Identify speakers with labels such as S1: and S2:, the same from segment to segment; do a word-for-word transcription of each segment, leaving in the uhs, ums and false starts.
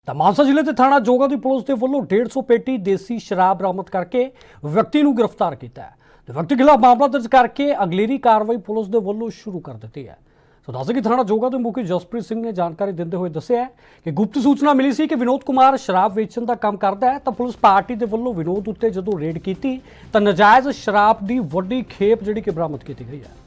S1: ਤਾਂ ਮਾਨਸਾ ਜ਼ਿਲ੍ਹੇ ਦੇ ਥਾਣਾ ਜੋਗਾ ਦੀ ਪੁਲਿਸ ਦੇ ਵੱਲੋਂ ਡੇਢ ਸੌ ਪੇਟੀ ਦੇਸੀ ਸ਼ਰਾਬ ਬਰਾਮਦ ਕਰਕੇ ਵਿਅਕਤੀ ਨੂੰ ਗ੍ਰਿਫਤਾਰ ਕੀਤਾ ਹੈ ਤੇ ਵਿਅਕਤੀ ਖਿਲਾਫ ਮਾਮਲਾ ਦਰਜ ਕਰਕੇ ਅਗਲੇਰੀ ਕਾਰਵਾਈ ਪੁਲਿਸ ਦੇ ਵੱਲੋਂ ਸ਼ੁਰੂ ਕਰ ਦਿੱਤੀ ਹੈ। ਸੋ ਦੱਸ ਕਿ ਥਾਣਾ ਜੋਗਾ ਦੇ ਮੁਖੀ ਜਸਪ੍ਰੀਤ ਸਿੰਘ ਨੇ ਜਾਣਕਾਰੀ ਦਿੰਦੇ ਹੋਏ ਦੱਸਿਆ ਕਿ ਗੁਪਤ ਸੂਚਨਾ ਮਿਲੀ ਸੀ ਕਿ ਵਿਨੋਦ ਕੁਮਾਰ ਸ਼ਰਾਬ ਵੇਚਣ ਦਾ ਕੰਮ ਕਰਦਾ ਹੈ ਤਾਂ ਪੁਲਿਸ ਪਾਰਟੀ ਦੇ ਵੱਲੋਂ ਵਿਨੋਦ ਉੱਤੇ ਜਦੋਂ ਰੇਡ ਕੀਤੀ ਤਾਂ ਨਜਾਇਜ਼ ਸ਼ਰਾਬ ਦੀ ਵੱਡੀ ਖੇਪ ਜਿਹੜੀ ਕਿ ਬਰਾਮਦ ਕੀਤੀ ਗਈ ਹੈ।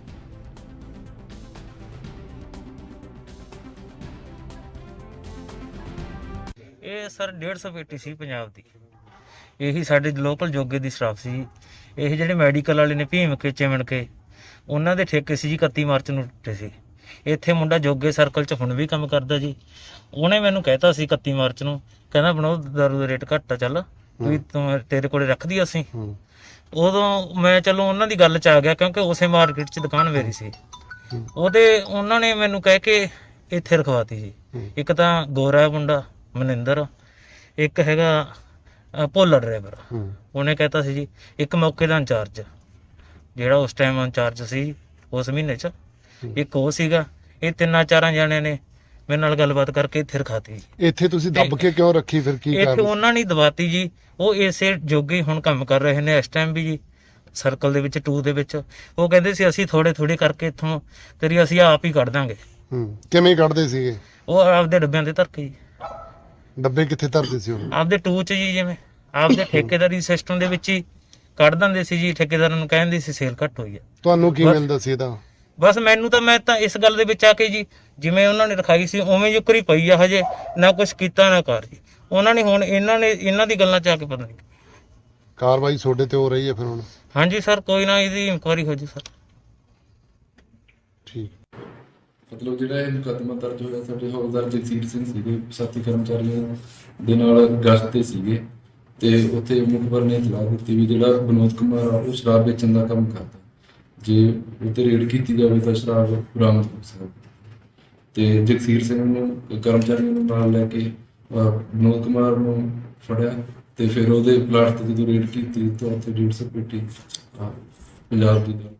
S2: ਇਹ ਸਰ डेढ़ सौ ਪੇਟੀ ਸੀ ਪੰਜਾਬ ਦੀ। ਇਹੀ ਸਾਡੇ ਲੋਕਲ ਜੋਗੇ ਦੀ ਸ਼ਰਾਬ ਸੀ। ਇਹ ਜਿਹੜੇ ਮੈਡੀਕਲ ਵਾਲੇ ਨੇ ਭੀਮ ਕੇ ਚਿਮਣ ਕੇ ਉਹਨਾਂ ਦੇ ਠੇਕੇ ਸੀ ਜੀ ਇਕੱਤੀ ਮਾਰਚ ਨੂੰ ਟੁੱਟੇ ਸੀ। ਇੱਥੇ ਮੁੰਡਾ ਜੋਗੇ ਸਰਕਲ 'ਚ ਹੁਣ ਵੀ ਕੰਮ ਕਰਦਾ ਜੀ। ਉਹਨੇ ਮੈਨੂੰ ਕਹਿਤਾ ਸੀ ਇਕੱਤੀ ਮਾਰਚ ਨੂੰ, ਕਹਿੰਦਾ ਬਣਾਓ ਦਾਰੂ ਦਾ ਰੇਟ ਘੱਟ ਆ, ਚੱਲ ਵੀ ਤੂੰ ਤੇਰੇ ਕੋਲੇ ਰੱਖਦੀ ਅਸੀਂ। ਉਦੋਂ ਮੈਂ ਚਲੋ ਉਹਨਾਂ ਦੀ ਗੱਲ 'ਚ ਆ ਗਿਆ ਕਿਉਂਕਿ ਉਸੇ ਮਾਰਕੀਟ 'ਚ ਦੁਕਾਨ ਮੇਰੀ ਸੀ। ਉਹਦੇ ਉਹਨਾਂ ਨੇ ਮੈਨੂੰ ਕਹਿ ਕੇ ਇੱਥੇ ਰਖਵਾਤੀ ਜੀ। ਇੱਕ ਤਾਂ ਗੋਰਾ ਮੁੰਡਾ ਮਨਿੰਦਰ, ਇੱਕ ਹੈਗਾ ਭੋਲਾ ਡਰਾਈਵਰ। ਉਹਨੇ ਕਹਿਤਾ ਸੀ ਜੀ ਇੱਕ ਮੌਕੇ ਦਾ ਇੰਚਾਰਜ ਜਿਹੜਾ ਉਸ ਟਾਈਮ ਇੰਚਾਰਜ ਸੀ ਉਸ ਮਹੀਨੇ 'ਚ, ਇੱਕ ਉਹ ਸੀਗਾ। ਇਹ ਤਿੰਨਾਂ ਚਾਰਾਂ ਜਣਿਆਂ ਨੇ ਮੇਰੇ ਨਾਲ ਗੱਲਬਾਤ ਕਰਕੇ ਇੱਥੇ ਰਖਾਤੀ।
S3: ਇੱਥੇ ਤੁਸੀਂ ਦੱਬ ਕੇ ਕਿਉਂ ਰੱਖੀ ਫਿਰ? ਕੀ
S2: ਇੱਥੇ
S3: ਕਾਰਨ?
S2: ਉਹਨਾਂ ਨੇ ਦਵਾਤੀ ਜੀ। ਉਹ ਇਸੇ ਜੋਗੇ ਹੁਣ ਕੰਮ ਕਰ ਰਹੇ ਨੇ ਇਸ ਟਾਈਮ ਵੀ ਜੀ, ਸਰਕਲ ਦੇ ਵਿੱਚ ਟੂ ਦੇ ਵਿੱਚ। ਉਹ ਕਹਿੰਦੇ ਸੀ ਅਸੀਂ ਥੋੜੇ ਥੋੜੇ ਕਰਕੇ ਇੱਥੋਂ ਤੇਰੀ ਅਸੀਂ ਆਪ ਹੀ ਕੱਢ ਦਾਂਗੇ।
S3: ਹੂੰ, ਕਿਵੇਂ ਕੱਢਦੇ ਸੀਗੇ?
S2: ਉਹ ਆਪਦੇ ਡੱਬਿਆਂ ਤੇ ਧਰ ਕੇ ਜੀ।
S3: ਡੱਬੇ ਕਿੱਥੇ ਧਰਦੇ ਸੀ ਉਹ?
S2: ਆਪਦੇ ਟੂ 'ਚ ਜੀ, ਜਿਵੇਂ ਆਪਦੇ ਠੇਕੇਦਾਰੀ ਸਿਸਟਮ ਦੇ ਵਿੱਚ ਹੀ ਕੱਢ ਦਿੰਦੇ ਸੀ ਜੀ। ਠੇਕੇਦਾਰਾਂ ਨੂੰ ਕਹਿੰਦੇ ਸੀ ਸੇਲ ਘੱਟ ਹੋਈ ਆ।
S3: ਤੁਹਾਨੂੰ ਕੀ
S2: ਬਸ।
S3: ਮਿਲਦਾ ਸੀ ਇਹਦਾ?
S2: ਬਸ ਮੈਨੂੰ ਤਾਂ ਮੈਂ ਤਾਂ ਇਸ ਗੱਲ ਦੇ ਵਿੱਚ ਆ ਕੇ ਜੀ ਜਿਵੇਂ ਉਹਨਾਂ ਨੇ ਰਖਾਈ ਸੀ ਉਵੇਂ ਜੁਕਰੀ ਪਈ ਆ। ਹਜੇ ਨਾ ਕੁਝ ਕੀਤਾ ਨਾ ਕਰ ਜੀ ਉਹਨਾਂ ਨੇ। ਹੁਣ ਇਹਨਾਂ ਨੇ ਇਹਨਾਂ ਦੀ ਗੱਲਾਂ 'ਚ ਆ ਕੇ ਪਤਾ ਨਹੀਂ
S3: ਕਾਰਵਾਈ ਤੁਹਾਡੇ ਤੇ ਹੋ ਰਹੀ ਹੈ ਫਿਰ ਹੁਣ?
S2: ਹਾਂਜੀ ਸਰ, ਕੋਈ ਨਾ ਇਹਦੀ ਇਨਕੁਆਇਰੀ ਹੋ ਜੀ ਸਰ।
S3: ਠੀਕ।
S4: ਮਤਲਬ ਜਿਹੜਾ ਇਹ ਮੁਕੱਦਮਾ ਦਰਜ ਹੋਇਆ ਸਾਡੇ ਹੌਲਦਾਰ ਜਗਸੀਰ ਸਿੰਘ ਸੀਗੇ, ਸਾਥੀ ਕਰਮਚਾਰੀਆਂ ਦੇ ਨਾਲ ਗਸ਼ਤ ਤੇ ਸੀਗੇ ਤੇ ਉੱਥੇ ਮੁਖਬਰ ਨੇ ਇਤਲਾਹ ਦਿੱਤੀ ਵੀ ਜਿਹੜਾ ਵਿਨੋਦ ਕੁਮਾਰ ਆ ਉਹ ਸ਼ਰਾਬ ਵੇਚਣ ਦਾ ਕੰਮ ਕਰਦਾ। ਜੇ ਉੱਤੇ ਰੇਡ ਕੀਤੀ ਜਾਵੇ ਤਾਂ ਸ਼ਰਾਬ ਬਰਾਮਦ ਹੋ ਸਕਦੀ। ਤੇ ਜਗਸੀਰ ਸਿੰਘ ਨੂੰ ਕਰਮਚਾਰੀਆਂ ਨੂੰ ਨਾਲ ਲੈ ਕੇ ਵਿਨੋਦ ਕੁਮਾਰ ਨੂੰ ਫੜਿਆ ਤੇ ਫਿਰ ਉਹਦੇ ਪਲਾਟ ਤੇ ਜਦੋਂ ਰੇਡ ਕੀਤੀ ਤਾਂ ਉੱਥੇ ਡੇਢ ਸੌ ਪੇਟੀ ਪੰਜਾਬ ਦੀ